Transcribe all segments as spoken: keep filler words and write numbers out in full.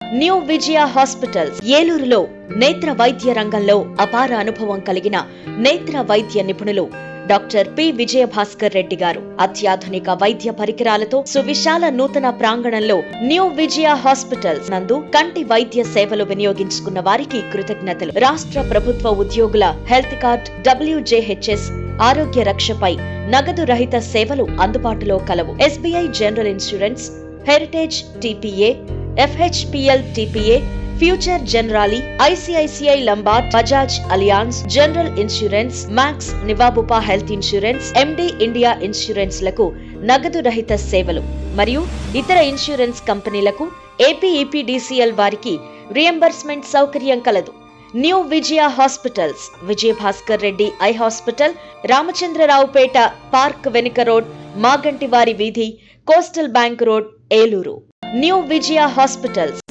New Vijaya hospitals ఏలూరులో నేత్ర వైద్య రంగంలో అపార అనుభవం కలిగిన నేత్ర వైద్య నిపుణులు డాక్టర్ పి విజయ భాస్కర్ రెడ్డి గారు అత్యాధునిక వైద్య పరికరాలతో సువిశాల నూతన ప్రాంగణంలో న్యూ విజయ హాస్పిటల్స్ నందు కంటి వైద్య సేవలు వినియోగించుకున్న వారికి కృతజ్ఞతలు. రాష్ట్ర ప్రభుత్వ ఉద్యోగుల హెల్త్ కార్డ్, డబ్ల్యూజేహెచ్ఎస్, ఆరోగ్య రక్షపై నగదు రహిత సేవలు అందుబాటులో కలవు. SBI general insurance, heritage TPA, FHPL TPA, future Generali, ICICI Lombard, Bajaj Allianz, general insurance, Max, నివాబుపా health insurance, MD India insurance లకు నగదు రహిత సేవలు మరియు ఇతర ఇన్సూరెన్స్ కంపెనీలకు ఏపీఈపీడీసీఎల్ వారికి రియంబర్స్మెంట్ సౌకర్యం కలదు. New Vijaya hospitals, Vijaya Bhaskar Reddy eye hospital, Ramachandraraopeta park వెనుక రోడ్, మాగంటివారి వీధి, coastal bank road, Eluru. New Vijaya hospitals.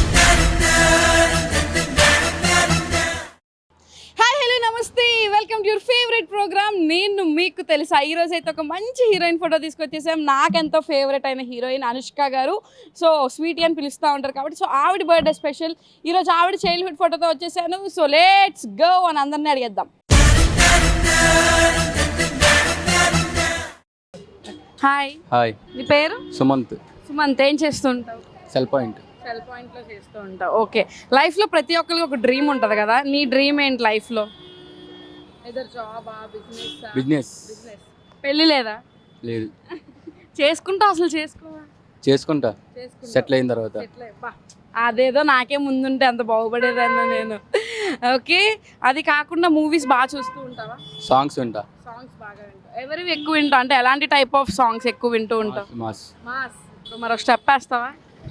నమస్తే, welcome to your favourite programme నేను మీకు తెలుసా. ఈ రోజు అయితే ఒక మంచి హీరోయిన్ ఫోటో తీసుకొచ్చేసాం. నాకెంతో ఫేవరెట్ అయిన హీరోయిన్ అనుష్క గారు. సో స్వీటీ అని పిలుస్తూ ఉంటారు కాబట్టి సో ఆవిడ బర్త్డే స్పెషల్. ఈరోజు ఆవిడ చైల్డ్హుడ్ ఫోటోతో వచ్చేసాను. సో లెట్స్ గో అని అందరినీ అడిగేద్దాం. హాయ్. హాయ్. నీ పేరు? సుమంత్. సుమంత్, ఏం చేస్తుంటావు? Cell point. సెల్ పాయింట్లో చేస్తూ ఉంటావు. ఓకే. లైఫ్లో ప్రతి ఒక్కరికి ఒక డ్రీమ్ ఉంటుంది కదా. నీ డ్రీమ్ ఏంటి లైఫ్లో? ఎదర్ జాబా, బిజినెస్? బిజినెస్. బిజినెస్. పెళ్ళి లేదా? లేదు. చేసుకుంటా అసలు చేసుకోవా? చేసుకుంటా సెటిల్ అయిన తర్వాత. అదేదో నాకే ముందుంటే అంత బాగుపడేదన్నా నేను. ఓకే. అది కాకుండా మూవీస్ బాగా చూస్తూ ఉంటావా? సాంగ్స్ వింటా. సాంగ్స్ బాగా వింటా. ఎవరివి ఎక్కువ వింటా అంటే ఎలాంటి టైప్ ఆఫ్ సాంగ్స్ ఎక్కువ వింటూ ఉంటావు? మాస్. మాస్. మరి ఒక స్టెప్ వేస్తావా?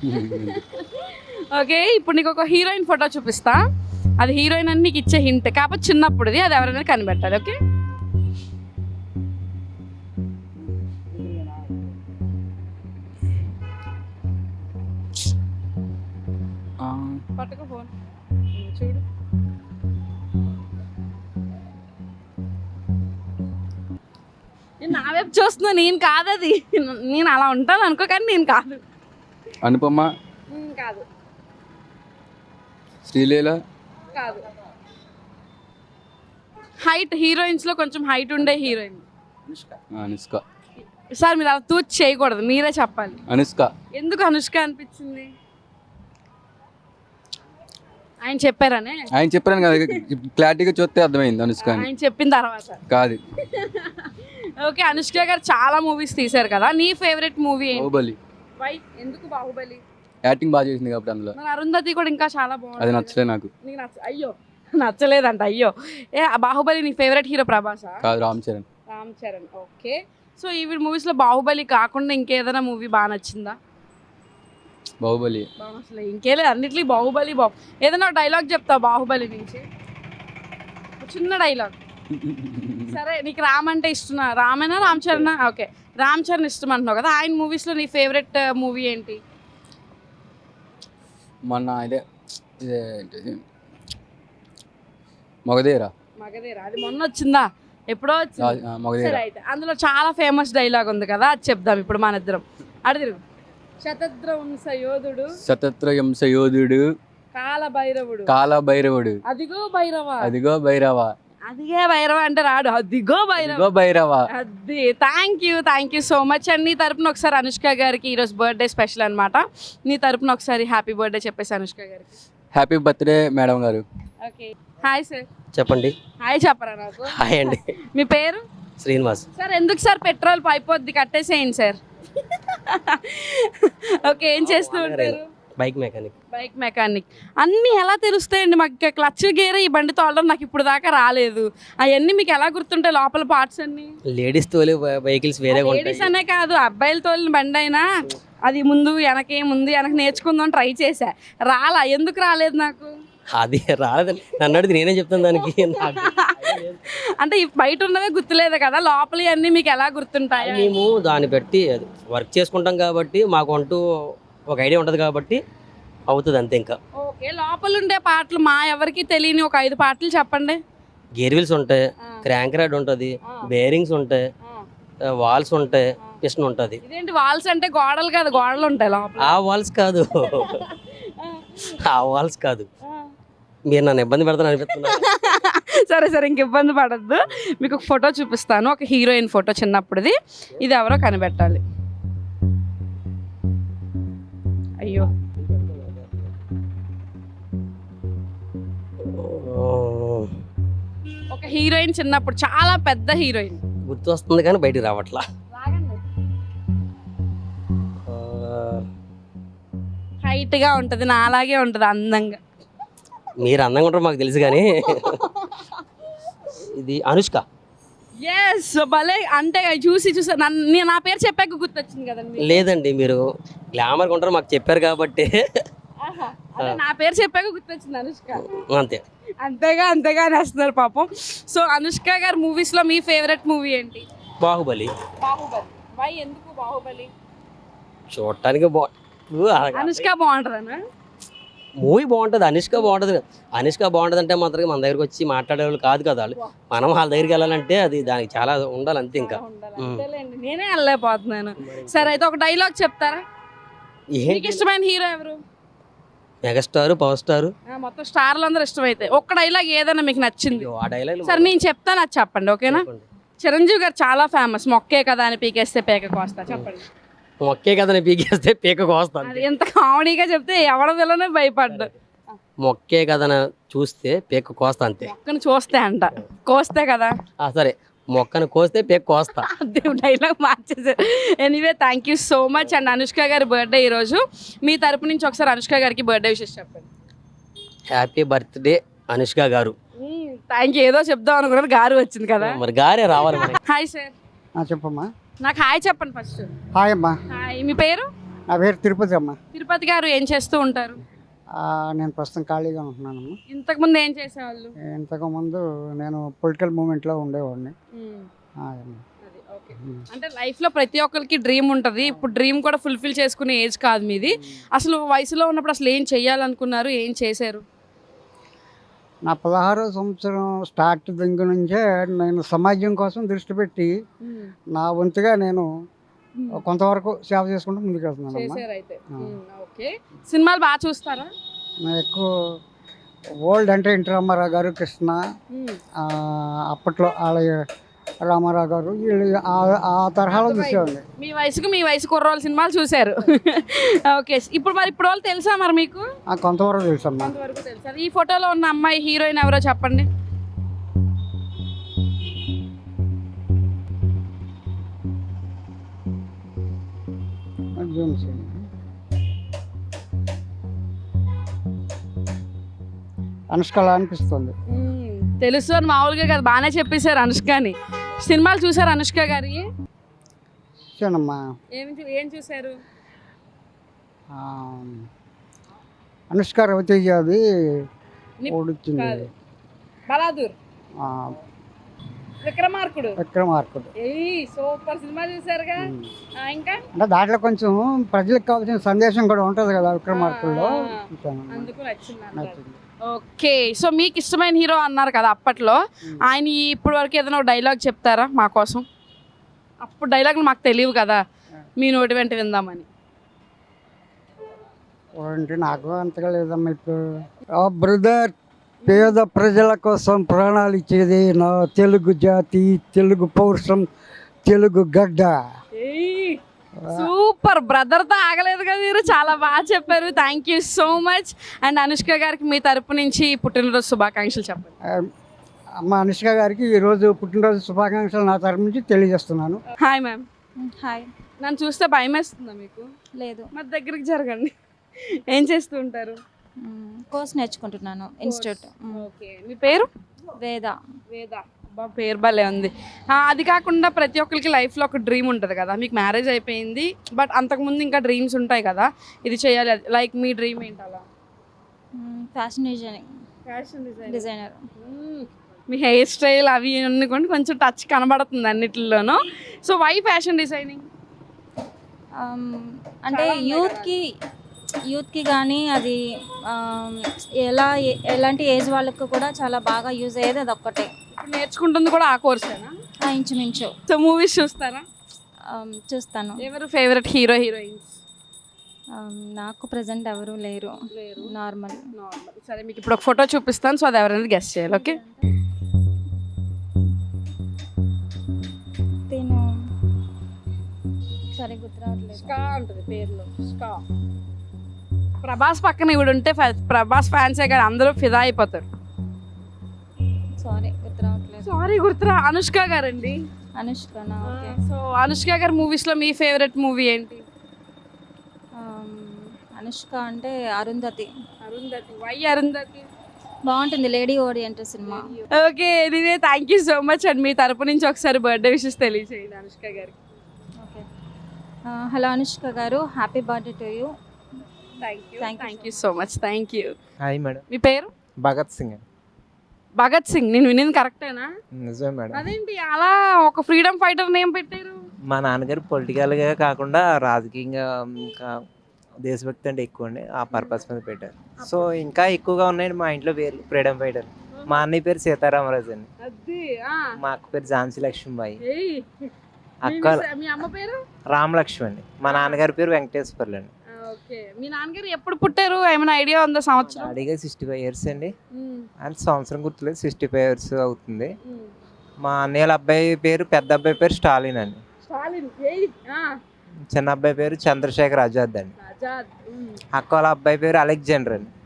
ఓకే. ఇప్పుడు నీకు ఒక హీరోయిన్ ఫోటో చూపిస్తా. అది హీరోయిన్ అని నీకు ఇచ్చే హింట్. కాకపోతే చిన్నప్పుడుది, అది ఎవరైనా కనిపెట్టాలి. ఓకే. పట్టుకో ఫోన్, చూడు. నేను నా వైపు చూస్తున్నా. నేను కాదు అది. నేను అలా ఉంటాను అనుకో, కానీ నేను కాదు. అనుపమ కాదు. శ్రీలీల కాదు. హైట్, హీరోయిన్స్ లో కొంచెం హైట్ ఉండే హీరోయిన్. అనుష్క. సార్ మీరు అలా తూచి చేయకూడదు, మీరే చెప్పాలి. అనుష్క. ఎందుకు అనుష్క అనిపించింది? ఆయన చెప్పారనే. ఆయన చెప్పాను కదా, క్లారిటీగా చూస్తే అర్థమైంది అనుష్క అని. ఆయన చెప్పిన తర్వాత కాదు. ఓకే. అనుష్క గారు చాలా మూవీస్ తీశారు కదా. నీ ఫేవరెట్ మూవీ ఏంటి? బాహుబలి. వై? ఎందుకు బాహుబలి? యాక్టింగ్ బాగా చేసింది కాబట్టి అందులో. మరి అరుంధతి కూడా ఇంకా చాలా బాగుంది. అది నచ్చలేదు నాకు. నీకు నచ్చ అయ్యో నచ్చలేదంట. అయ్యో. ఏ బాహుబలి నీ ఫేవరెట్ హీరో ప్రభాసా? కాదు, రామ్ చరణ్. రామ్ చరణ్. ఓకే. సో ఈ మూవీస్లో బాహుబలి కాకుండా ఇంకేదైనా మూవీ బాగా నచ్చిందా? బాహుబలి. అసలు ఇంకేలే, అన్నిట్లో బాహుబలి. బాహు ఏదైనా డైలాగ్ చెప్తావు బాహుబలి నుంచి? చిన్న డైలాగ్. సరే, నీకు రామ్ అంటే ఇష్టం. రామేనా రామ్ చరణ్? ఓకే, రామ్ చరణ్ ఇష్టం అంటున్నావు కదా. ఆయన మూవీస్లో నీ ఫేవరెట్ మూవీ ఏంటి? మొన్న ఇదే ఇదే మగధీర. మగధీర అది మొన్న వచ్చిందా? ఎప్పుడో వచ్చింది. మగధీర. అయితే అందులో చాలా ఫేమస్ డైలాగ్ ఉంది కదా, అది చెప్దాం ఇప్పుడు మన ఇద్దరం. అడిదిరు. శతద్ర వంశ యోధుడు, శతద్ర వంశ యోధుడు, కాల భైరవుడు, కాల భైరవుడు, అదిగో భైరవ, అదిగో భైరవ, అదిగే భైరవ అంటే రాడు, అదిగో భైరవ, భైరవ. అది. Thank you thank you so much. And నీ తరపున ఒకసారి అనుష్క గారికి ఈరోజు బర్త్డే స్పెషల్ అనమాట. నీ తరపున ఒకసారి హ్యాపీ బర్త్డే చెప్పేసి అనుష్క గారికి. Happy birthday madam garu. Okay. Hi sir. చెప్పండి. హాయ్ చెప్పరా నాకు. హాయ్ అండి. మీ పేరు? శ్రీనివాస్. సార్ ఎందుకు సార్ పెట్రోల్ పైపోద్ది, కట్టేసేయండి సార్. ఓకే. ఏం చేస్తూ ఉంటారు? Bike mechanic. Bike mechanic. అన్నీ ఎలా తెలుస్తాయండి మాకు? క్లచ్ గేర్ ఈ బండి తోలడం నాకు ఇప్పుడు దాకా రాలేదు. అవన్నీ మీకు ఎలా గుర్తుంటాయి లోపల పార్ట్స్ అన్ని? లేడీస్ తోలే వెహికల్స్ వేరే ఉంటాయి. లేడీస్ అనే కాదు, అబ్బాయిలు తోలిన బండి అయినా అది ముందు వెనకే ముందు వెనక నేర్చుకుందాం ట్రై చేశా, రాలా. ఎందుకు రాలేదు నాకు? అది రాలేదండి. నన్ను అడిగితే నేనే చెప్తాను దానికి. అంటే బయట ఉన్నవే గుర్తులేదు కదా, లోపల అన్నీ మీకు ఎలా గుర్తుంటాయి? మేము దాన్ని బట్టి అది వర్క్ చేసుకుంటాం కాబట్టి మాకు అంటూ ఒక ఐడియా ఉంటుంది కాబట్టి అవుతుంది అంతే. ఇంకా ఓకే. లోపల ఉండే పాటలు మా ఎవరికి తెలియని ఒక ఐదు పాటలు చెప్పండి. గేర్ వీల్స్ ఉంటాయి, క్రాంక్ రాడ్ ఉంటుంది, బేరింగ్స్ ఉంటాయి, వాల్స్ ఉంటాయి, పిస్టన్ ఉంటుంది. ఇదేంటి వాల్స్ అంటే? గోడలు కాదు, గోడలు ఉంటాయి లోపల. ఆ వాల్స్ కాదు, ఆ వాల్స్ కాదు, మీరు నన్ను ఇబ్బంది పెడతాను అనిపిస్తున్నారు. సరే సరే ఇంక ఇబ్బంది పడద్దు. మీకు ఒక ఫోటో చూపిస్తాను, ఒక హీరోయిన్ ఫోటో చిన్నప్పుడుది. ఇది ఎవరో కనిపెట్టాలి. అయ్యో ఒక హీరోయిన్ చిన్నప్పుడు, చాలా పెద్ద హీరోయిన్. గుర్తు వస్తుంది కానీ బయటికి రావట్లా. హైట్ గా ఉంటది, నా అలాగే ఉంటది అందంగా. మీరు అందంగా ఉంటారు మాకు తెలుసు కానీ ఇది అనుష్క. ఎస్ భలే, అంటే చూసి చూసి నన్ను నా పేరు చెప్పాక గుర్తొచ్చింది కదండి. లేదండి, మీరు గ్లామర్గా ఉంటారు మాకు చెప్పారు కాబట్టి అదే నా పేరు చెప్పాక గుర్తొచ్చింది అనుష్క. అంతే. అంతేగా అంతేగా అనేస్తున్నారు పాపం. సో అనుష్క గారి మూవీస్ లో మీ ఫేవరెట్ మూవీ ఏంటి? బాహుబలి. బాహుబలి. వై, ఎందుకు బాహుబలి? చూడటానికి బాగుంటుంది. అనుష్క బాగుంటుందనా? మూవీ బాగుంటుంది, అనుష్క బాగుంటుంది. అనుష్క బాగుంటుంది అంటే మాత్రం మన దగ్గరికి వచ్చి మాట్లాడేవాళ్ళు కాదు కదా వాళ్ళు. మనం వాళ్ళ దగ్గరికి వెళ్ళాలంటే అది దానికి చాలా ఉండాలి అంతే. ఇంకా అంతేలేండి, నేనే వెళ్ళలేకపోతున్నాను. సరే అయితే ఒక డైలాగ్ చెప్తారా? మీకు ఇష్టమైన హీరో ఎవరు? మెగాస్టార్, పవర్ స్టార్, మొత్తం స్టార్లు అందరూ ఇష్టమైతే ఒక్క డైలాగ్ ఏదైనా మీకు నచ్చింది. ఆ డైలాగ్ సరే నేను చెప్తాను, అది చెప్పండి ఓకేనా? చిరంజీవి గారు చాలా ఫేమస్, మొక్కే కదా అని పీకేస్తే పేక కోస్తా. చెప్పండి. మొక్కే కదా పీకేస్తే పీక కోస్తాను. అది ఎంత కామెడీగా చెప్తే ఎవడ విలనే భయపడ్డా. మొక్కే కదా చూస్తే పీక కోస్తా అంతే. మొక్కను చూస్తే అంట, కోస్తే కదా. సరే, మొక్కను కోస్తే పీక కోస్తా. అదే డైలాగ్ మార్చేసారు. Anyway thank you so much. And Anushka garu birthday ఈరోజు, మీ తరపు నుంచి ఒకసారి అనుష్క గారికి బర్త్డే విషెస్ చెప్పండి. Happy birthday Anushka garu. Thank you. ఏదో చెప్దాం అనుకున్నారు, గారు వచ్చింది కదా, మరి గారే రావాలి. Hi sir. చెప్పమ్మా. నాకు హాయ్ చెప్పండి ఫస్ట్. హాయ్ అమ్మా. హాయ్, మీ పేరు? నా పేరు తిరుపతి అమ్మా. తిరుపతి గారు ఏం చేస్తూ ఉంటారు? నేను ప్రస్తుతం ఖాళీగా ఉంటున్నానమ్మా. ఇంతకు ముందు ఏం చేసేవాళ్ళు? ఇంతకు ముందు నేను పొలిటికల్ మూమెంట్లో ఉండేవాడిని. అంటే లైఫ్ లో ప్రతి ఒక్కరికి డ్రీమ్ ఉంటుంది. ఇప్పుడు డ్రీమ్ కూడా ఫుల్ఫిల్ చేసుకునే ఏజ్ కాదు మీది. అసలు వయసులో ఉన్నప్పుడు అసలు ఏం చెయ్యాలనుకున్నారు, ఏం చేశారు? నా పదహారో సంవత్సరం స్టార్ట్ దగ్గర నుంచే నేను సమాజం కోసం దృష్టి పెట్టి నా వంతుగా నేను కొంతవరకు సేవ చేసుకుంటూ ముందుకు వెళ్తున్నాను. సినిమాలు బాగా చూస్తారా? ఎక్కువ ఓల్డ్ అంటే ఎన్టీ రామారావు గారు, కృష్ణ, అప్పట్లో ఆలయ రామారావు గారు, వీళ్ళు ఆ తరహాలో చూసేవాళ్ళు. మీ వయసుకు మీ వయసు కుర్రోళ్ళ సినిమాలు చూశారు. ఓకే, ఇప్పుడు మరి ఇప్పుడు వాళ్ళు తెలుసా మరి మీకు? కొంతవరకు తెలుసమ్మా. తెలుసా? ఈ ఫోటోలో ఉన్న అమ్మాయి హీరోయిన్ ఎవరో చెప్పండి. అనుష్కలా అనిపిస్తుంది. తెలుసు అని మామూలుగా కదా, బాగానే చెప్పేశారు అనుష్కని. సినిమాలు చూసారు అనుష్క గారి? చూసానమ్మా. ఏం చూసారు? అనుష్క రవితేజ అది ఓడిచ్చింది, బలాదూర్, విక్రమార్కుడు. విక్రమార్కుడు సూపర్ సినిమా చూసారుగా. ఇంకా అంటే దాంట్లో కొంచెం ప్రజలకు కావాల్సిన సందేశం కూడా ఉంటుంది కదా విక్రమార్కుడులో. అందుకు నచ్చింది. ఓకే, సో మీకు ఇష్టమైన హీరో అన్నారు కదా అప్పట్లో, ఆయన ఇప్పటి వరకు ఏదైనా ఒక డైలాగ్ చెప్తారా మా కోసం? అప్పుడు డైలాగులు మాకు తెలియవు కదా, మీ నోటి వెంట విందామని. నాకు అంతగా లేదమ్మా. ఇప్పుడు బ్రదర్, పేద ప్రజల కోసం ప్రాణాలు ఇచ్చేది నా తెలుగు జాతి, తెలుగు పౌరుషం, తెలుగు గడ్డ. సూపర్ బ్రదర్ తో ఆగలేదు కదా మీరు, చాలా బాగా చెప్పారు. Thank you so much. And Anushka గారికి మీ తరపు నుంచి పుట్టినరోజు శుభాకాంక్షలు చెప్పండి. అమ్మ అనుష్క గారికి ఈరోజు పుట్టినరోజు శుభాకాంక్షలు నా తరపు నుంచి తెలియజేస్తున్నాను. Hi ma'am. హాయ్. నన్ను చూస్తే భయం వేస్తుందా మీకు? లేదు. మరి దగ్గరికి జరగండి. ఏం చేస్తూ ఉంటారు? కోర్స్ నేర్చుకుంటున్నాను ఇన్స్టిట్యూట్. ఓకే, మీ పేరు? వేద. వేద, బా పేరు భలే ఉంది. అది కాకుండా ప్రతి ఒక్కరికి లైఫ్లో ఒక డ్రీమ్ ఉంటుంది కదా, మీకు మ్యారేజ్ అయిపోయింది బట్ అంతకుముందు ఇంకా డ్రీమ్స్ ఉంటాయి కదా, ఇది చేయాలి, లైక్ మీ డ్రీమ్ ఏంటి? అలా ఫ్యాషన్ డిజైనింగ్. Fashion designer. మీ హెయిర్ స్టైల్ అవి అనుకోండి కొంచెం టచ్ కనబడుతుంది అన్నిటిలోనూ. So why fashion designing? అంటే యూత్కి యూత్కి కానీ అది ఎలా ఎలాంటి ఏజ్ వాళ్ళకు కూడా చాలా బాగా యూజ్ అయ్యేది అది ఒక్కటే. నేర్చుకుంటుంది కూడా ఆ కోర్సేనా? ఇంచుమించు. సో మూవీస్ చూస్తారా? చూస్తాను. ఎవరు ఫేవరెట్ హీరో హీరోయిన్స్? నాకు ప్రజెంట్ ఎవరు లేరు, నార్మల్. సరే మీకు ఇప్పుడు ఒక ఫోటో చూపిస్తాను, సో అది ఎవరైనా గెస్ట్ చేయాలి. ఓకే, తిను సరే గుర్తు రావట్లేదు. స్కా ఉంటుంది పేరులో, స్కా. ప్రభాస్ పక్కన ఇవిడు ఉంటే ఫ- ప్రభాస్ ఫ్యాన్సే కానీ అందరూ ఫిదా అయిపోతారు. సారీ గుర్తు రావట్లేదు. సారీ గుర్తురా, అనుష్క గారండి. అనుష్కనా? ఓకే. సో అనుష్క గారి మూవీస్ లో మీ ఫేవరెట్ మూవీ ఏంటి? ఆమ్, అనుష్క అంటే అరుంధతి. అరుంధతి. వై అరుంధతి? బాగుంటుంది, లేడీ ఓరియంటెడ్ సినిమా. Okay, anyway thank you so much and మీ తరపు నుంచి ఒకసారి బర్త్డే విషెస్ తెలియజేయండి అనుష్క గారికి. Okay. Hello Anushka garu, happy birthday to you. Thank you Thank you thank you so much. Thank you. Hi madam. మీ పేరు? భగత్ సింగ్. భగత్ సింగ్. నేను వినింది కరెక్టేనా? నిజమే మేడం. అదేంటి అలా ఒక ఫ్రీడమ్ ఫైటర్ నేమ్ పెట్టారు? మా నాన్నగారు పొలిటికల్గా కాకుండా రాజకీయంగా ఇంకా దేశభక్తి అంటే ఎక్కువ అండి, ఆ పర్పస్ మీద పెట్టారు. సో ఇంకా ఎక్కువగా ఉన్నాయండి మా ఇంట్లో పేర్లు ఫ్రీడమ్ ఫైటర్. మా అన్నయ్య పేరు సీతారామరాజు అండి, అది మా అక్క పేరు ఝాన్సీ లక్ష్మీబాయి, ఏయ్. అక్క మీ- మీ అమ్మ పేరు? రామలక్ష్మి అండి, మా నాన్నగారి పేరు వెంకటేశ్వర్లు అండి. ఓకే, మీ నాన్నగారు ఎప్పుడు పుట్టారు, ఏమైనా ఐడియా ఉందా సంవత్సరం? డాడీగా సిక్స్టీ ఫైవ్ ఇయర్స్ అండి, ఉమ్, అండ్ సంవత్సరం గుర్తులేదు, సిక్స్టీ ఫైవ్ ఇయర్స్ అవుతుంది. ఉమ్. మా అన్నయ్యల అబ్బాయి పేరు పెద్ద అబ్బాయి పేరు స్టాలిన్ అండి, స్టాలిన్. ఏయ్, ఆ, చిన్న అబ్బాయి పేరు చంద్రశేఖర్ ఆజాద్ అండి, ఆజాద్. ఉమ్. అక్క వాళ్ళ అబ్బాయి పేరు అలెగ్జాండర్ అండి.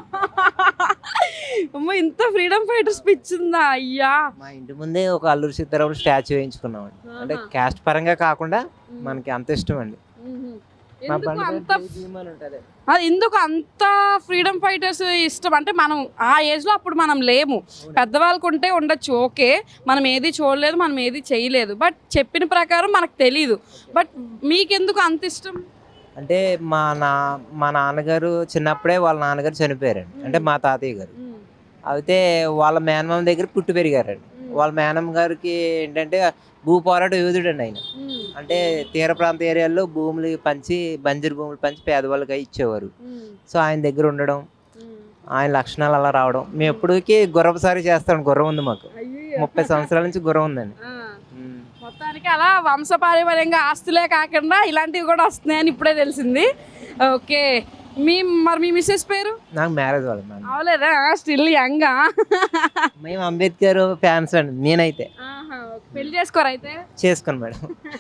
అమ్మ, ఇంత ఫ్రీడమ్ ఫైటర్ స్పీచ్ ఉందా? అయ్యా. మా ఇంటి ముందే ఒక అల్లూరి సీతారాములు స్టాచ్యూ వేయించుకున్నాం అండి, అంటే క్యాస్ట్ పరంగా కాకుండా మనకి అంత ఇష్టం అండి. ఉహు. మా ఎందుకు బండి పేరు అంత జై భీమ్ అని ఉంటది. అది ఎందుకు అంత ఫ్రీడమ్ ఫైటర్స్ ఇష్టం అంటే, మనం ఆ ఏజ్ లో అప్పుడు మనం లేము, పెద్దవాళ్ళకు ఉంటే ఉండొచ్చు, ఓకే, మనం ఏది చూడలేదు, మనం ఏది చేయలేదు, బట్ చెప్పిన ప్రకారం మనకు తెలీదు. బట్ మీకెందుకు అంత ఇష్టం? అంటే మా నా మా నాన్నగారు చిన్నప్పుడే వాళ్ళ నాన్నగారు చనిపోయారండి, అంటే మా తాతయ్య గారు. అయితే వాళ్ళ మేనమామ దగ్గర పుట్టి పెరిగారండి. వాళ్ళ మేనమ్మ గారికి ఏంటంటే భూ పోరాట యోధుడు అండి ఆయన. అంటే తీర ప్రాంత ఏరియాల్లో భూములు పంచి, బంజరు భూములు పంచి పేదవాళ్ళకి ఇచ్చేవారు. సో ఆయన దగ్గర ఉండడం, ఆయన లక్షణాలు అలా రావడం, మేము ఎప్పటికీ గుర్రపు సారి చేస్తాం. గుర్రం ఉంది మాకు, ముప్పై సంవత్సరాల నుంచి గుర్రం ఉందండి. ఉమ్. మొత్తానికి అలా వంశపారంపర్యంగా ఆస్తులే కాకుండా ఇలాంటివి కూడా వస్తున్నాయని ఇప్పుడే తెలిసింది. ఓకే, మీ మరి మీ మిస్సెస్ పేరు? నాకు మ్యారేజ్ వాళ్ళు మేడం. అవలేదా? స్టిల్ యంగా. మేము అంబేద్కర్ ఫ్యాన్స్ అండి. నేనైతే పెళ్లి చేసుకోరు అయితే? చేసుకోను మేడం.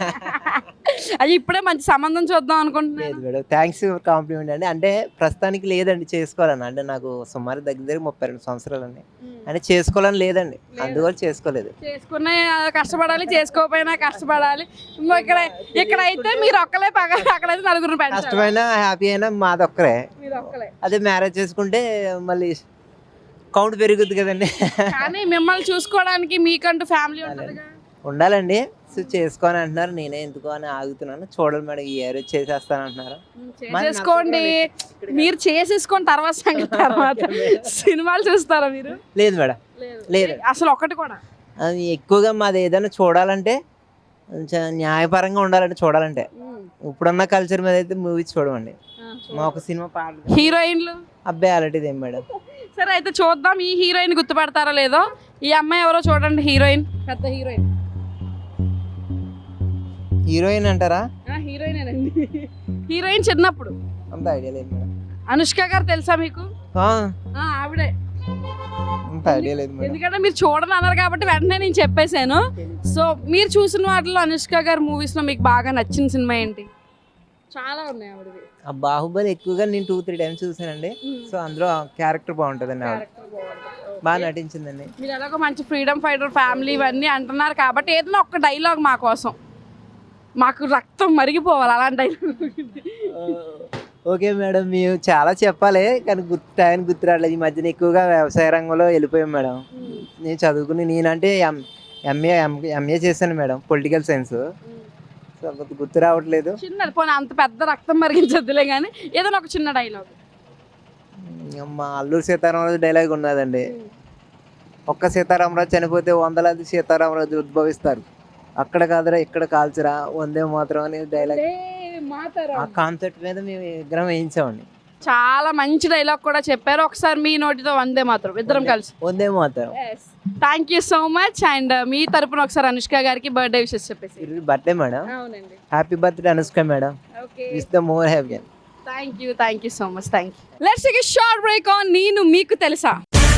అది ఇప్పుడే మంచి సంబంధం చూద్దాం అనుకుంటున్నాను. లేదు మేడం, థ్యాంక్స్ ఫర్ కాంప్లిమెంట్ అండి. అంటే ప్రస్తుతానికి లేదండి చేసుకోవాలని, అంటే నాకు సుమారు దగ్గర దగ్గర ముప్పై రెండు సంవత్సరాలు అండి, అంటే చేసుకోవాలని లేదండి, అందువల్ల చేసుకోలేదు. చేసుకునే కష్టపడాలి, చేసుకోకపోయినా కష్టపడాలి. ఇంకో ఇక్కడ ఇక్కడ అయితే మీరు ఒక్కలే పగ, అక్కడైతే నలుగురు పెంచాలి. కష్టమైన హ్యాపీ అయినా మాదొక్కరే. మీరు ఒక్కలే. అదే మ్యారేజ్ చేసుకుంటే మళ్ళీ కౌంట్ పెరుగుద్ది కదండి. కానీ మిమ్మల్ని చూసుకోవడానికి మీకంటూ ఫ్యామిలీ ఉంటుందిగా. ఉండాలండి. సో చేసుకోని అంటున్నారు, నేనే ఎందుకు అని ఆగుతున్నాను. చూడాలి మేడం, ఈ ఇయర్ చేసేస్తాను అంటున్నారు. చేసుకోండి, మీరు చేసేసుకోండి, తర్వాత సంగతి తర్వాత. సినిమాలు చూస్తారా మీరు? లేదు మేడం, లేదు అసలు ఒకటి కూడా. అది ఎక్కువగా మాది ఏదైనా చూడాలంటే కొంచెం న్యాయపరంగా ఉండాలంటే చూడాలంటే, ఇప్పుడున్న కల్చర్ మీద అయితే మూవీస్ చూడమండి. మా ఒక సినిమా పాటలు, హీరోయిన్లు అబ్బాయి అలాంటిది ఏం మేడం. సరే అయితే చూద్దాం, ఈ హీరోయిన్ గుర్తుపడతారో లేదో. ఈ అమ్మాయి ఎవరో చూడండి, హీరోయిన్, పెద్ద హీరోయిన్. హీరోయిన్ అంటారా? హీరోయిన్ హీరోయిన్ చిన్నప్పుడు అంత ఐడియా లేదు మేడం. అనుష్క గారు తెలుసా మీకు? ఆ, ఆ, ఆవిడే. అంత ఐడియా లేదు మేడం. ఎందుకంటే మీరు చూడని అన్నారు కాబట్టి వెంటనే నేను చెప్పేశాను. సో మీరు చూసిన వాటిలో అనుష్క గారి మూవీస్ లో మీకు బాగా నచ్చిన సినిమా ఏంటి? చాలా ఉన్నాయి ఆవిడవి. ఆ బాహుబలి ఎక్కువగా నేను టూ త్రీ టైమ్స్ చూసానండి. సో అందులో క్యారెక్టర్ బాగుంటుందండి, ఆవిడ బాగా నటించిందండి. మీరు ఎలాగో మంచి ఫ్రీడమ్ ఫైటర్ ఫ్యామిలీ ఇవన్నీ అంటున్నారు కాబట్టి ఏదైనా ఒక్క డైలాగ్ మా కోసం, మాకు రక్తం మరిగిపోవాలి అలాంటి డైలాగ్. ఓకే మేడం, మేము చాలా చెప్పాలి కానీ గుర్తు టైం గుర్తు రావట్లేదు. ఈ మధ్యన ఎక్కువగా వ్యవసాయ రంగంలో వెళ్ళిపోయాం మేడం. నేను చదువుకుని నేనంటే ఎం ఎంఏ ఎంఏ చేశాను మేడం, పొలిటికల్ సైన్స్. సో గుర్తు రావట్లేదు. చిన్నది పోనీ, అంత పెద్ద రక్తం మరిగించద్దులే కానీ ఏదైనా ఒక చిన్న డైలాగ్. మా అల్లూరి సీతారామరాజు డైలాగ్ ఉన్నదండి, ఒక్క సీతారామరాజు చనిపోతే వందలాది సీతారామరాజు ఉద్భవిస్తారు, అక్కడ కాదురా ఇక్కడ కాల్చరా వందే మాత్రం అనే డైలాగ్. ఆ కాన్సెప్ట్ మీద మేము విగ్రహం వేయించామండి. చాలా మంచి డైలాగ్ కూడా చెప్పారు. ఒకసారి మీ నోటితో వందే మాత్రం ఇద్దరం కలిసి. వందే మాత్రం. Thank you so much. And మీ తరపున ఒకసారి అనుష్క గారికి బర్త్డే విషెస్ చెప్పేసి. Birthday madam. అవునండి. Happy birthday Anushka madam. Wish the more happy. Thank you thank you so much thank you let's take a short break on నేను మీకు తెలుసా.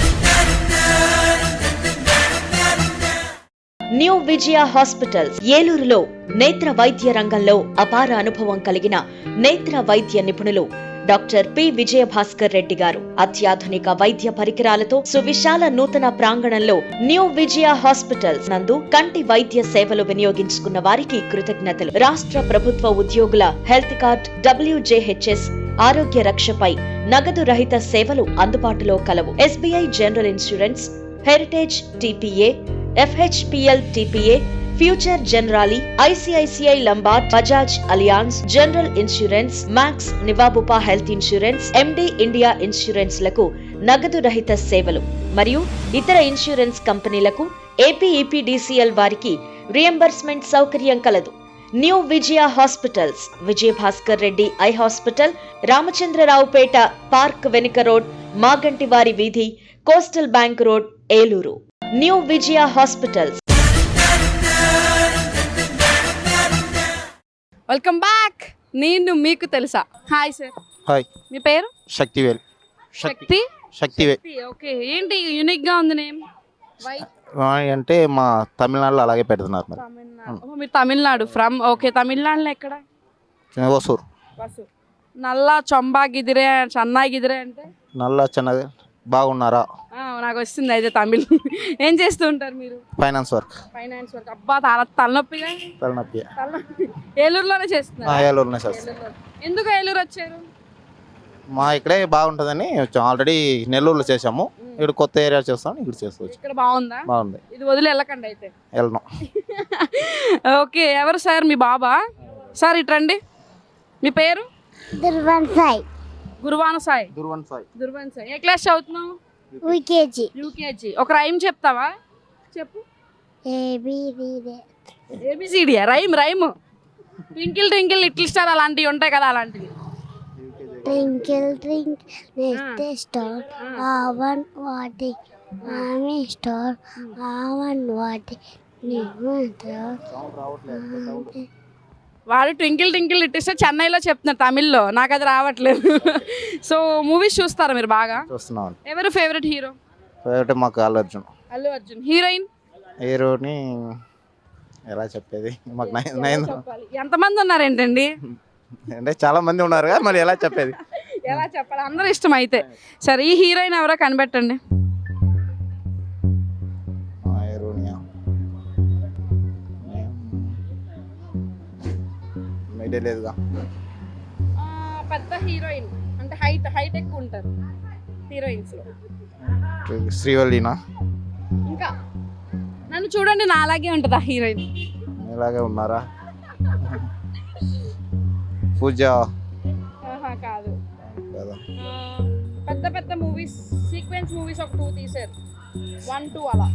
న్యూ విజయ హాస్పిటల్స్ ఏలూరులో నేత్ర వైద్య రంగంలో అపార అనుభవం కలిగిన నేత్ర వైద్య నిపుణులు డాక్టర్ పి విజయ భాస్కర్ రెడ్డి గారు అత్యాధునిక వైద్య పరికరాలతో సువిశాల నూతన ప్రాంగణంలో న్యూ విజయ హాస్పిటల్స్ నందు కంటి వైద్య సేవలు వినియోగించుకున్న వారికి కృతజ్ఞతలు. రాష్ట్ర ప్రభుత్వ ఉద్యోగుల హెల్త్ కార్డ్, డబ్ల్యూజేహెచ్ఎస్, ఆరోగ్య రక్షపై నగదు రహిత సేవలు అందుబాటులో కలవు. SBI general insurance, heritage TPA, FHPL TPA, future Generali, ICICI Lombard, Bajaj Allianz, general insurance, Max, నివాబుపా health insurance, MD India insurance లకు నగదు రహిత సేవలు మరియు ఇతర ఇన్సూరెన్స్ కంపెనీలకు ఏపీఈపీడీసీఎల్ వారికి రియంబర్స్మెంట్ సౌకర్యం కలదు. New Vijaya hospitals, Vijaya Bhaskar Reddy eye hospital, Ramachandraraopeta park వెనుక రోడ్, మాగంటివారి వీధి, coastal bank road, Eluru. New Vijaya hospitals. Welcome back. నేను మీకు తెలుసా. Hi sir. హాయ్. మీ పేరు? శక్తివేల్. శక్తి. శక్తివేల్. ఓకే, ఏంటి యూనిక్ గా ఉంది నేమ్? వై అంటే మా తమిళనాడులో అలాగే పెడుతున్నారు మరి. తమిళనాడు. ఓ, మీరు తమిళనాడు ఫ్రమ్. ఓకే, తమిళనాడులో ఎక్కడ? వసూర్. వసూర్. నల్ల చొంబా గిదిరే, చెన్నై గిదిరే అంటే నల్ల చెన్నై. బాగున్నారా? ఆ, నాకు వస్తుంది అయితే తమిళ్. ఏం చేస్తూ ఉంటారు మీరు? Finance work. Finance work. అబ్బా, తల తలనొప్పిగా. తలనొప్పి. తలనొప్పి. ఏలూరులోనే చేస్తున్నారు? ఏలూరునే చేస్తాను. ఎందుకు ఏలూరు వచ్చారు? మా ఇక్కడే బాగుంటుందని వచ్చాం. ఆల్రెడీ నెల్లూరులో చేసాము, ఇక్కడ కొత్త ఏరియా చేస్తాం, ఇక్కడ చేసుకోవచ్చు. ఇక్కడ బాగుందా? బాగుంది. ఇది వదిలి వెళ్ళకండి అయితే. వెళ్ళను. ఓకే, ఎవరు సార్? మీ బాబా? సార్ ఇట్రండి. మీ పేరు? దుర్వన్ సాయి. గురువాన సాయి. దుర్వన్ సాయి. దుర్వన్ సాయి. ఏ క్లాస్ చదువుతున్నావు? యూకేజీ. యూకేజీ. ఒక రైమ్ చెప్తావా? చెప్పు. ABCD. ABCD rhyme rhyme. Twinkle twinkle little star అలాంటివి ఉంటాయి కదా, అలాంటివి. ట్వింకిల్ ట్వింకిల్ లిటిల్ స్టార్, ఆవన్ వాటి ఆమె స్టార్, ఆవన్ వాటి వాడు ట్వింకిల్ ట్వింకిల్ లిటిల్ స్టార్ చెన్నైలో చెప్తున్నారు, తమిళ్లో. నాకు అది రావట్లేదు. సో మూవీస్ చూస్తారా మీరు బాగా? చూస్తున్నాం. ఎవరు ఫేవరెట్ హీరో? ఫేవరెట్ మాకు అల్లు అర్జున్. అల్లు అర్జున్. హీరోయిన్? హీరోని ఎలా చెప్పేది, మాకు నైన్. ఎంతమంది ఉన్నారు ఏంటండి? అంటే చాలా మంది ఉన్నారు కదా, మరి ఎలా చెప్పేది? ఎలా చెప్పాలి? అందరూ ఇష్టం అయితే. సరే, ఈ హీరోయిన్ ఎవరో కనిపెట్టండి. లేదుగా. పెద్ద హీరోయిన్ అంటే హైట్ హైట్ ఎక్కువ ఉంటారు హీరోయిన్స్ లో. శ్రీవల్లినా? ఇంకా నన్ను చూడండి, నా అలాగే ఉంటుంది ఆ హీరోయిన్. ఇలాగే ఉన్నారా? పూజ? కాదు. పెద్ద పెద్ద మూవీస్, సీక్వెన్స్ మూవీస్ ఒక టూ తీసారు, వన్ టూ అలా.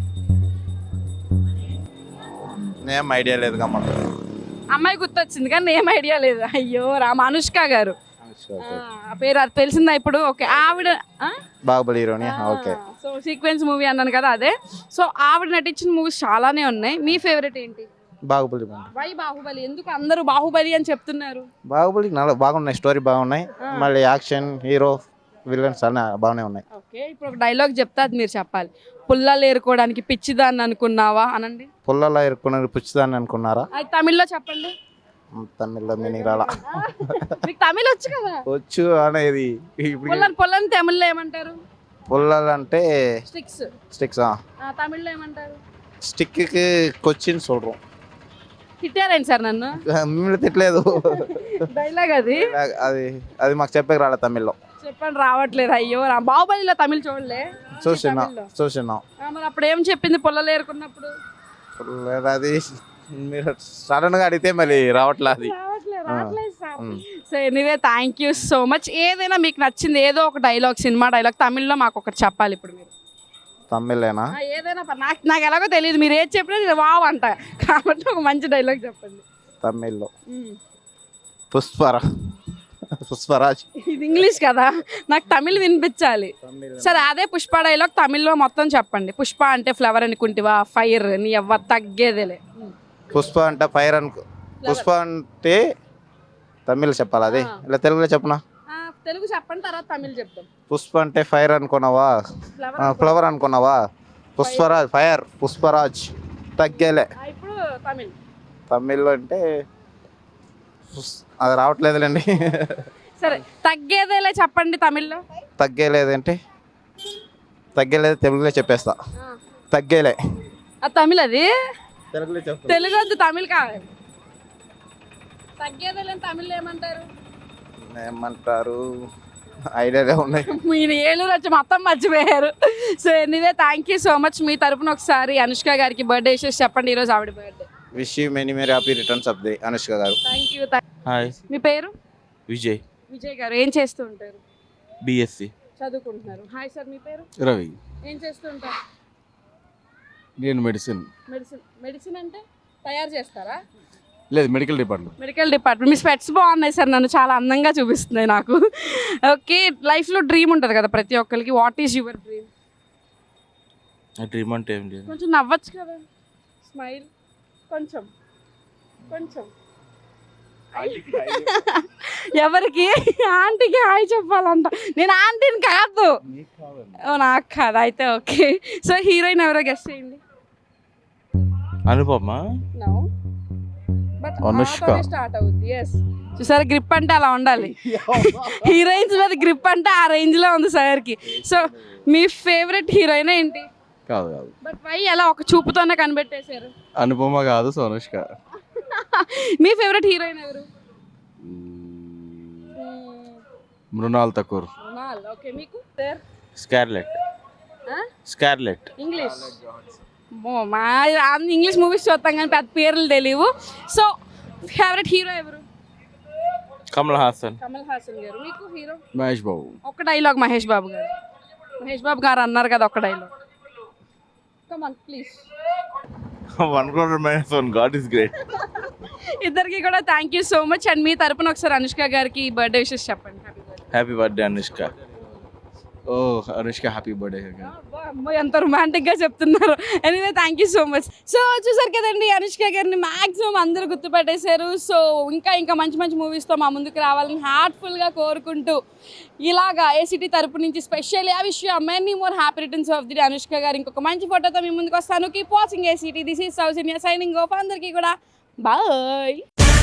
నేమ్ ఐడియా లేదుగా. మనకు అమ్మాయి గుర్తొచ్చింది కానీ నేమ్ ఐడియా లేదు. అయ్యో రామ. అనుష్క గారు పేరు అది తెలిసిందా ఇప్పుడు? ఓకే, ఆవిడ బాహుబలి హీరోని. ఓకే. సో సీక్వెన్స్ మూవీ అన్నాను కదా, అదే. సో ఆవిడ నటించిన మూవీస్ చాలానే ఉన్నాయి. మీ ఫేవరెట్ ఏంటి? బాహుబలి. వై బాహుబలి? ఎందుకు అందరూ బాహుబలి అని చెప్తున్నారు? బాహుబలి చాలా బాగున్నాయి, స్టోరీ బాగున్నాయి, మళ్ళీ యాక్షన్, హీరో, విలన్స్ అన్నీ బాగానే ఉన్నాయి. ఓకే, ఇప్పుడు ఒక డైలాగ్ చెప్తా, అది మీరు చెప్పాలి. పుల్లలు ఏరుకోవడానికి పిచ్చిదాన్ని అనుకున్నావా అనండి. పుల్లలో ఏరుకున్నది పిచ్చిదాన్ని అనుకున్నారా? అది తమిళ్లో చెప్పండి. తమిళ్లో మీనింగ్ రాలా. మీకు తమిళ్ వచ్చు కదా? వచ్చు అనేది. పుల్లని పుల్లని తమిళ్లో ఏమంటారు? పుల్లలు అంటే స్టిక్స్. స్టిక్స్. తమిళ్లో ఏమంటారు? స్టిక్కి కొచ్చిన్ சொல்றோம். తిట్టారేంటి సార్ నన్ను? మిమ్మల్ని తిట్టలేదు. డైలాగ్ అది. అది అది మాకు చెప్పక రాలే తమిళ్లో. చెప్పండి, రావట్లేదు. అయ్యో, బాహుబలిలో తమిళ్ చూడలే. చూసినా చూసినా మరి అప్పుడు ఏం చెప్పింది పుల్లలు ఏరుకున్నప్పుడు? అది మీరు సడన్ గా అడిగితే మళ్ళీ రావట్లేదు. So anyway, thank you so much. ఏదైనా మీకు నచ్చింది ఏదో ఒక డైలాగ్, సినిమా డైలాగ్ తమిళ్లో మాకు ఒకటి చెప్పాలి ఇప్పుడు మీరు. తమిళేనా? ఏదైనా నాకు నాకు ఎలాగో తెలియదు, మీరు ఏది చెప్పినా నేను వావ్ అంట, కాబట్టి ఒక మంచి డైలాగ్ చెప్పండి తమిళ్లో. పుష్పరా పుష్పరాజ్. ఇది ఇంగ్లీష్ కదా, నాకు తమిళ్ వినిపించాలి. సరే, అదే పుష్ప డైలాగ్ తమిళ్లో మొత్తం చెప్పండి. పుష్ప అంటే ఫ్లవర్ అనుకుంటివా? ఫైర్ నీ ఎవ్వ తగ్గేదేలే. పుష్ప అంటే ఫైర్ అనుకో. పుష్ప అంటే తమిళ్ చెప్పాలి, అదే ఇలా తెలుగులో చెప్పనా? తెలుగు చెప్పండి, తర్వాత తమిళ్ చెప్తాం. పుష్ప అంటే ఫైర్ అనుకున్నావా, ఫ్లవర్ ఫ్లవర్ అనుకున్నావా, పుష్పరాజ్ ఫైర్ పుష్పరాజ్. తగ్గేలే ఇప్పుడు తమిళ్. తమిళ్లో అంటే పుస్- అది రావట్లేదులేండి. సరే, తగ్గేదేలే చెప్పండి తమిళ్లో. తగ్గేలేదంటే తగ్గేలేదు తెలుగులో చెప్పేస్తా. తగ్గేలే అది తమిళ్, అది తెలుగులో చెప్తా. తెలుగు వద్దు, తమిళ్ కావాలి. తగ్గేదేలే తమిళ్లో ఏమంటారు? ఏమంటారు ఐడియాలే ఉన్నాయి. మీరు ఏలూరు వచ్చి మొత్తం మర్చిపోయారు. So anyway thank you so much. మీ తరపున ఒకసారి అనుష్క గారికి బర్త్డే విషెస్ చెప్పండి. ఈరోజు ఆవిడ birthday. Wish you many many happy returns of the Anushka garu. Thank you. Hi, మీ పేరు? విజయ్, విజయ్ గారు. ఏం చేస్తూ ఉంటారు? బిఎస్సి చదువుకుంటున్నారు. హాయ్ సార్, మీ పేరు? రవి. ఏం చేస్తూ ఉంటారు? నేను మెడిసిన్. మెడిసిన్. మెడిసిన్ అంటే తయారు చేస్తారా? లేదు, మెడికల్ డిపార్ట్మెంట్. Medical department. మీ స్పెట్స్ బాగున్నాయి సార్, నన్ను చాలా అందంగా చూపిస్తున్నాయి నాకు. ఓకే, లైఫ్లో డ్రీమ్ ఉంటుంది కదా ప్రతి ఒక్కరికి. What is your dream? నా డ్రీమ్ అంటే ఏం లేదు. కొంచెం నవ్వచ్చు కదా, స్మైల్ కొంచెం కొంచెం. ఎవరికి? ఆంటీకి హాయ్ చెప్పాలంట. నేను ఆంటీని కాదు. ఓ, నాకు కాదు అయితే. ఓకే, సో హీరోయిన్ ఎవరో గెస్ట్ చేయండి. Anupama. No, but Anushka. Start అవుద్ది. ఎస్, చూసారా, గ్రిప్ అంటే అలా ఉండాలి. హీరోయిన్స్ మీద గ్రిప్ అంటే ఆ రేంజ్ లో ఉంది సార్ కి. సో మీ ఫేవరెట్ హీరోయిన్ ఏంటి? కాదు కాదు బట్ వై అలా ఒక చూపుతోనే కనిపెట్టేశారు? అనుపమ కాదు, సోనుష్క. మీ ఫేవరెట్ హీరోయిన్ ఎవరు? మృణాల్ ఠాకూర్. మృణాల్. ఓకే, మీకు సార్? స్కార్లెట్. స్కార్లెట్. ఇంగ్లీష్. ఓ, మా ఇంగ్లీష్ మూవీస్ చూస్తాం కానీ పెద్ద పేర్లు తెలియవు. సో ఫేవరెట్ హీరో ఎవరు? కమల్ హాసన్. కమల్ హాసన్ గారు. మీకు హీరో? మహేష్ బాబు. ఒక డైలాగ్ మహేష్ బాబు గారు. మహేష్ బాబు గారు అన్నారు కదా, ఒక dialogue. Come on please. One crore minus one, god is great. ఇద్దరికి కూడా thank you so much. And మీ తరపున ఒకసారి అనుష్క గారికి బర్త్డే విషెస్ చెప్పండి. Happy birthday Anushka. ఓ అనుష్క, హ్యాపీ బర్త్డే. అమ్మాయి ఎంత రొమాంటిక్ గా చెప్తున్నారు. Anyway thank you so much. So చూసారు కదండి, అనుష్క గారిని మాక్సిమం అందరూ గుర్తుపెట్టేశారు. సో ఇంకా ఇంకా మంచి మంచి మూవీస్తో మా ముందుకు రావాలని హార్ట్ఫుల్ గా కోరుకుంటూ ఇలాగా ఏసీటీ తరపు నుంచి స్పెషల్ ఆ విషయం many more happy returns of the day. Anushka గారు ఇంకొక మంచి ఫోటోతో మీ ముందుకు వస్తాను. Keep watching ACT. This is south India signing off. అందరికీ కూడా బాయ్.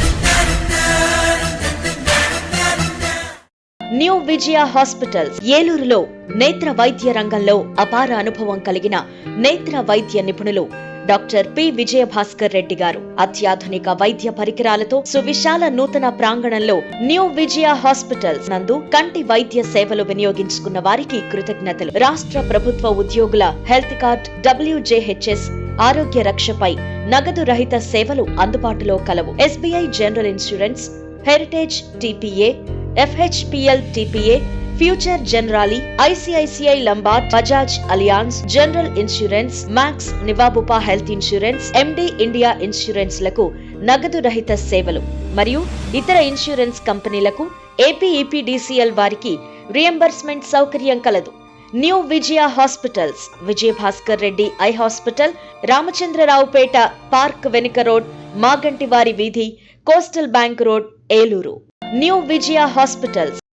న్యూ విజయ హాస్పిటల్స్ ఏలూరులో నేత్ర వైద్య రంగంలో అపార అనుభవం కలిగిన నేత్ర వైద్య నిపుణులు డాక్టర్ పి విజయ భాస్కర్ రెడ్డి గారు అత్యాధునిక వైద్య పరికరాలతో సువిశాల నూతన ప్రాంగణంలో న్యూ విజయ హాస్పిటల్స్ నందు కంటి వైద్య సేవలు వినియోగించుకున్న వారికి కృతజ్ఞతలు. రాష్ట్ర ప్రభుత్వ ఉద్యోగుల హెల్త్ కార్డ్, డబ్ల్యూజేహెచ్ఎస్, ఆరోగ్య రక్షపై నగదు రహిత సేవలు అందుబాటులో కలవు. SBI general insurance, heritage TPA, FHPL TPA, future Generali, ICICI Lombard, Bajaj Allianz, general insurance, Max, నివాబుపా health insurance, MD India insurance లకు నగదు రహిత సేవలు మరియు ఇతర ఇన్సూరెన్స్ కంపెనీలకు ఏపీఈపీడీసీఎల్ వారికి రియంబర్స్మెంట్ సౌకర్యం కలదు. New Vijaya hospitals, Vijaya Bhaskar Reddy eye hospital, Ramachandraraopeta park వెనుక రోడ్, మాగంటివారి వీధి, coastal bank road, Eluru. New Vijaya hospitals.